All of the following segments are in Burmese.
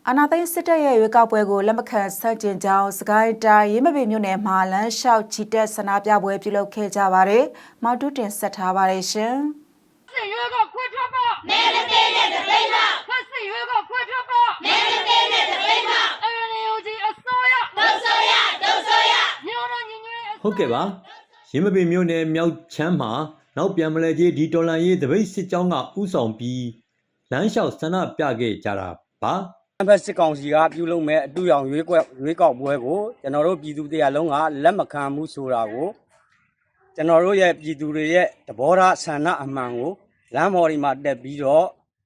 အာနာသိန်းစစ်တပ်ရဲ့ရွေးကောက်ပွဲကိုလက်မခံဆန့်ကျင်ကြောင်းစကိုင်းတိုင်းရင်းမပင်မြို့နယ်မှာလမ်းလျှောက်ချီတက်ဆန္ဒပြပွဲပြုလုပ်ခဲ့ကြပါတယ်။မောက်တူးတင်ဆက်ထားပါတယ်ရှင်။စစ်ရွေးကောက်ခွဲထွက်ပါမဲမပေးတဲ့တပိတ်မစစ်ရွေးကောက်ခွဲထွက်ပါမဲမပေးတဲ့တပိတ်မNUGအစိုးရဒုဆိုရမြို့တော်ညီညွတ်ရေးဟုတ်ကဲ့ပါရင်းမပင်မြို့နယ်မြောက်ချမ်းမှာနောက်ပြန်မလဲကြီးဒီတော်လန်ရေးတပိတ်စစ်ကြောင်းကဥဆောင်ပြီးလမ်းလျှောက်ဆန္ဒပြခဲ့ကြတာပါဘက်စစ်ကောင်စီကပြုလုပ်မဲ့အတူရောင်ရွေးကောက်ပွဲကိုကျွန်တော်တို့ပြည်သူတရားလုံးကလက်မခံမှုဆိုတာကိုကျွန်တော်တို့ရဲ့ပြည်သူတွေရဲ့သဘောထားဆန္ဒအမှန်ကိုလမ်းပေါ်ဒီမှာတက်ပြီးတော့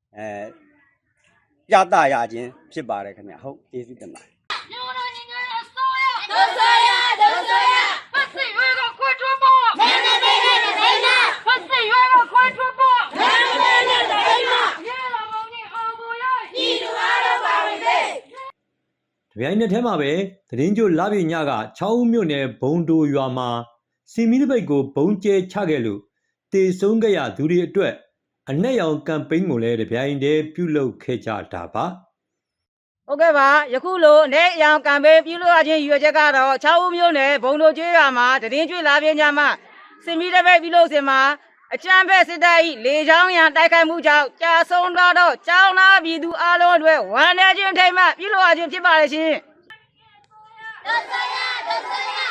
ပြသရခြင်းဖြစ်ပါတယ်ခင်ဗျဟုတ်ကျေးဇူးတင်ပါတယ်မြို့တော်ညီညွတ်ရေးအစိုးရဒုဆိုရစစ်ရွေးကောက်ခွဲထွက်ပါမဲမပေးတဲ့တပိတ်မစစ်ရွေးကောက်ခွဲထွက်ပါမဲမပေးတဲ့တပိတ်မရေလာမောင်ကြီးအောင်ပေါ်ရပြည်သူအားလုံးပါဝင်စေတပြိုင်နက်တည်းမှာပဲသတင်းကြိုလာပြညက6ဦးမြို့နယ်ဘုံတိုရွာမှာစီမီတပိတ်ကိုဘုံကျဲချခဲ့လို့တေဆုံးခဲ့ရသူတွေအတွက်အနက်ရောင်ကမ်ပိန်းကိုလည်းတပြိုင်တည်းပြုလုပ်ခဲ့ကြတာပါဟုတ်ကဲ့ပါယခုလိုနဲ့အရောင်ကမ်ပိန်းပြုလုပ်ရခြင်းရည်ရွယ်ချက်ကတော့6ဦးမြို့နယ်ဘုံတိုကျွေးရွာမှာသတင်းကျွေးလာပြညမှာစီမီတပိတ်ပြုလုပ်စဉ်မှာအကြမ်းဖက်စစ်တပ်၏လေကြောင်းရန်တိုက်ခိုက်မှုကြောင့်ကြာဆုံးတော့ကျောင်းသားပြည်သူအလုံးအတွက်ဝန်ထမ်းချင်းထိမှပြုလုပ်ရခြင်းဖြစ်ပါလေရှင်ဒုဆိုရဒုဆိုရ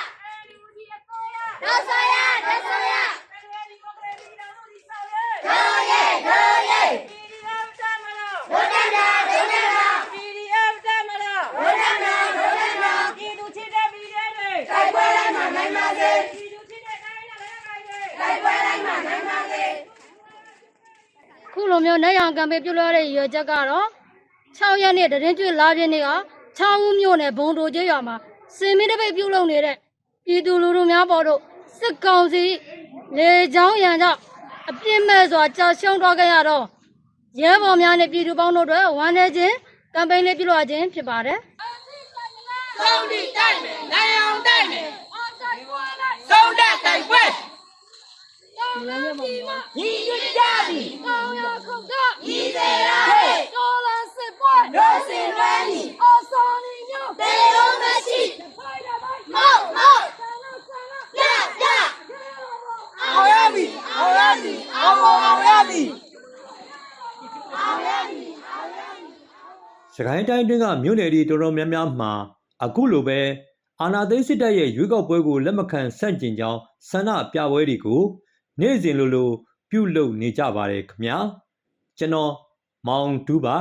ခုလိုမျိုးနိုင်အောင်ကံပေးပြုလုပ်ရတဲ့ရွေချက်ကတော့6ရက်နေ့တရင်ကျွေးလာပြင်းနေ့က6ဦးမြို့နယ်ဘုံတိုကျေးရွာမှာစင်မီတပိတ်ပြုလုပ်နေတဲ့ပြည်သူလူထုများပေါ်တို့စစ်ကောင်စီလေကြောင်းရန်ကြောင့်အပြစ်မဲ့စွာကြာရှုံးသွားခဲ့ရတော့ရဲဘော်များနဲ့ပြည်သူပေါင်းတို့အတွက်ဝန်ထမ်းချင်းကမ်ပိန်းလေးပြုလုပ်ရခြင်းဖြစ်ပါတယ်။သုံးတိတိုက်မယ်၊နိုင်အောင်တိုက်မယ်။သုံးတက်တိုက်ပွဲညီညွတ်ကြသည်ကောင်းရခုတ်ကညီစေရာဟဲ့တော်လန်စစ်ပွဲလို့စင်လွမ်းသည်အစောနေညို့တေလုံးမရှိမောက်ရအောင်ရပြီစကိုင်းတိုင်းတွင်းကမြို့နယ်တွေတော်တော်များများမှာအခုလိုပဲအာနာသိန်းစစ်တပ်ရဲ့ရွေးကောက်ပွဲကိုလက်မခံဆန့်ကျင်ကြောင်းဆန္ဒပြပွဲတွေကိုနေ့စဉ်လိုပြုလုပ်နေကြပါတယ်ခင်ဗျာကျွန်တော်မောင်တူးပါ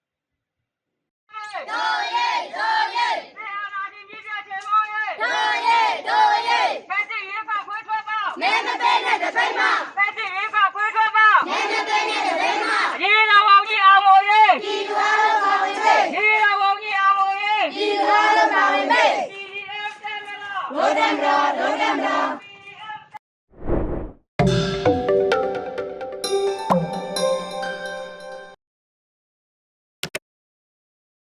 မဲမပေးတဲ့တပိတ်မဖက်စစ်ရေးကခွေးထွက်ပါမဲမပေးတဲ့တပိတ်မရေလာအောင်ကြီးအောင်ပေါ်ရေးပြည်သူအား